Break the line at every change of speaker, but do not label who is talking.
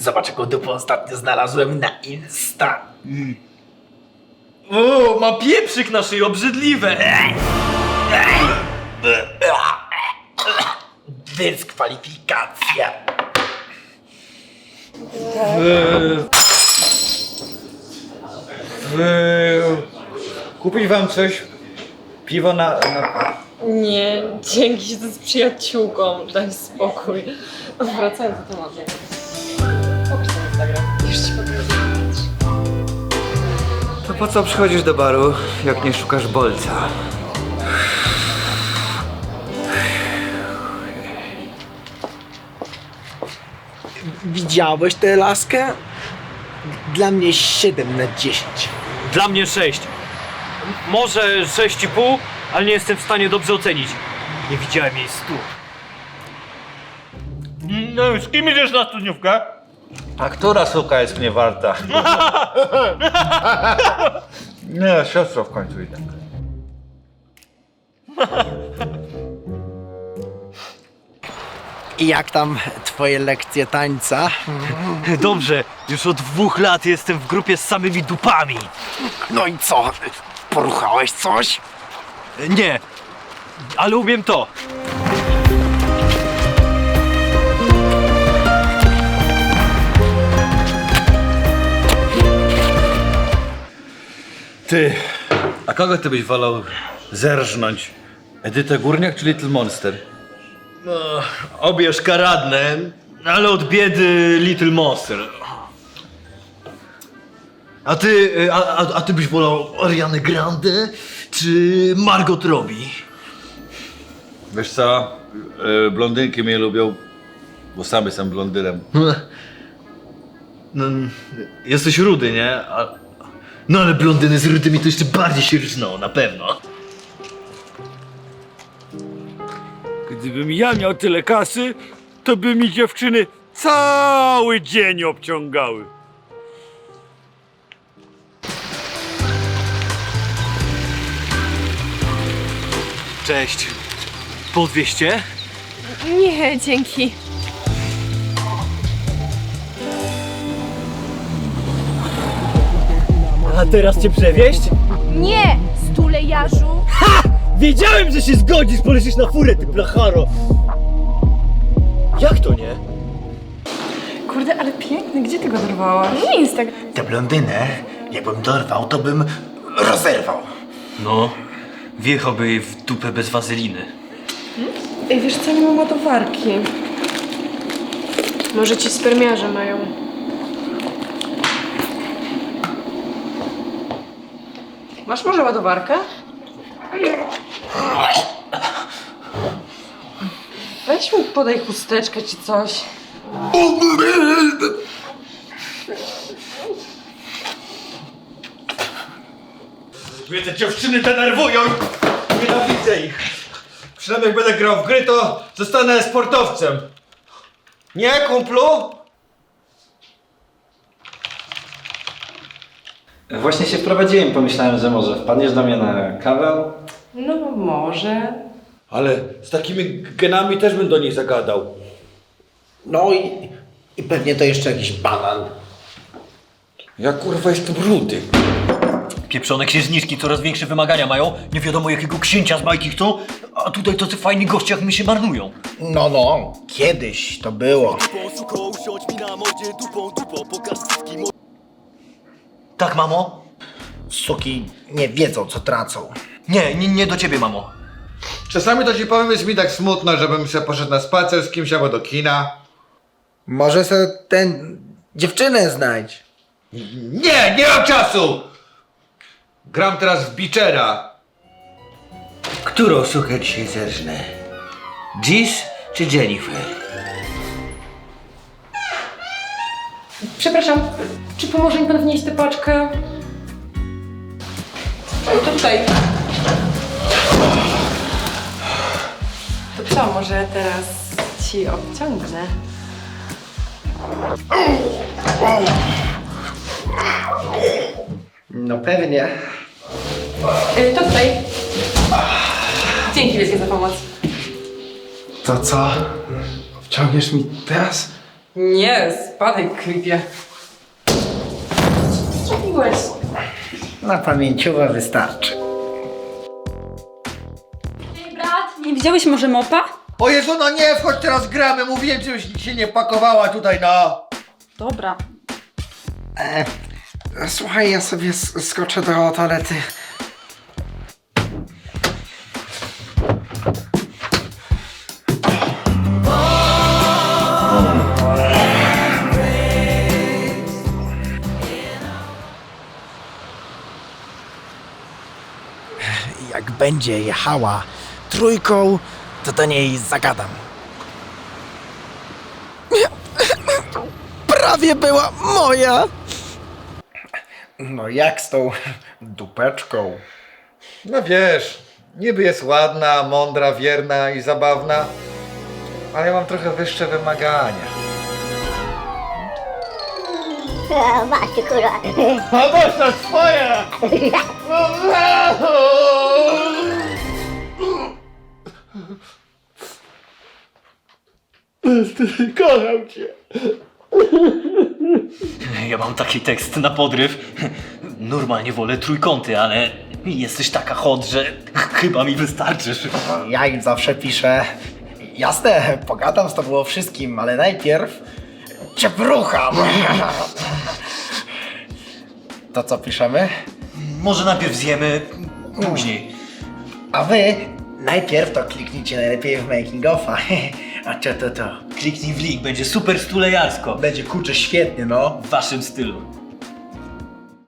Zobacz, jaką dupę ostatnio znalazłem na Insta.
O, ma pieprzyk na szyi, obrzydliwe!
Dyskwalifikacja.
Kupić wam coś? Piwo na...
Nie, dzięki, się z przyjaciółką, daj spokój. Wracając do tematu. Pokaż ten Instagram. Już ci pokażę.
To po co przychodzisz do baru, jak nie szukasz bolca?
Widziałeś tę laskę? Dla mnie 7 na 10.
Dla mnie 6. Może 6,5, ale nie jestem w stanie dobrze ocenić. Nie widziałem jej stóp. No, z kim idziesz na studniówkę?
A która suka jest mnie warta? Nie, siostro w końcu idę.
I jak tam twoje lekcje tańca?
Dobrze, już od 2 lat jestem w grupie z samymi dupami.
No i co? Poruchałeś coś?
Nie, ale umiem to.
Ty, a kogo ty byś wolał zerżnąć? Edytę Górniak czy Little Monster?
Obie szkaradne, ale od biedy Little Monster. A ty, a ty byś wolał Arianę Grande czy Margot Robbie?
Wiesz co, blondynki mnie lubią, bo sam jestem blondynem.
No, jesteś rudy, nie? No ale blondyny z rudymi to jeszcze bardziej się różnią, na pewno.
Gdybym ja miał tyle kasy, to by mi dziewczyny cały dzień obciągały.
Cześć. Po 200?
Nie, dzięki.
A teraz cię przewieźć?
Nie, stulejarzu!
Wiedziałem, że się zgodzisz, polecisz na furę, ty blacharo! Jak to nie?
Kurde, ale piękny, gdzie ty go dorwałaś? Nie Instagram.
Tę blondynę, jakbym dorwał, to bym rozerwał.
No, wjechałby jej w dupę bez wazeliny.
Ej, wiesz co, nie mam ładowarki. Może ci spermiarze mają. Masz może ładowarkę? Weź mi podaj chusteczkę czy coś.
Mnie te dziewczyny denerwują! Nienawidzę ich! Przynajmniej jak będę grał w gry, to zostanę sportowcem. Nie, kumplu?
Właśnie się wprowadziłem, pomyślałem, że może wpadniesz do mnie na kawę?
No może.
Ale z takimi genami też bym do nich zagadał.
No i pewnie to jeszcze jakiś banan.
Ja kurwa jestem rudy.
Pieprzone księżniczki coraz większe wymagania mają. Nie wiadomo jakiego księcia z bajki chcą, a tutaj tacy fajni goście jak mi się marnują.
No, kiedyś to było.
Tak, mamo?
Suki nie wiedzą, co tracą.
Nie do ciebie, mamo.
Czasami to ci powiem, jest mi tak smutno, żebym sobie poszedł na spacer z kimś albo do kina.
Może sobie ten dziewczynę znajdź.
Nie mam czasu! Gram teraz w Beachera.
Którą sukę dzisiaj zerżnę? Dziś czy Jennifer?
Przepraszam, czy pomoże mi pan wnieść tę paczkę? To tutaj. To co, może teraz ci obciągnę?
No pewnie.
To tutaj. Dzięki wielkie za pomoc.
To co? Wciągniesz mi teraz?
Nie, spadaj, creepie. Co zrobiłeś?
Na pamięciowe wystarczy.
Ej, brat, nie widziałeś może mopa?
O Jezu, no nie, wchodź teraz gramy, mówiłem, żebyś się nie pakowała tutaj, no.
Dobra.
Słuchaj, ja sobie skoczę do toalety. Jak będzie jechała trójką, to do niej zagadam. Prawie była moja! No jak z tą dupeczką?
No wiesz, niby jest ładna, mądra, wierna i zabawna, ale ja mam trochę wyższe wymagania.
Masz kurwa.
A masz na swoje! Kocham cię.
Ja mam taki tekst na podryw. Normalnie wolę trójkąty, ale jesteś taka hot, że chyba mi wystarczysz.
Ja im zawsze piszę. Jasne, pogadam z tobą o wszystkim, ale najpierw cię brucham. To co piszemy?
Może najpierw zjemy, później.
A wy najpierw to kliknijcie najlepiej w making offa. A to.
Kliknij w link, będzie super stulejarsko.
Będzie kurczę świetnie, no.
W waszym stylu.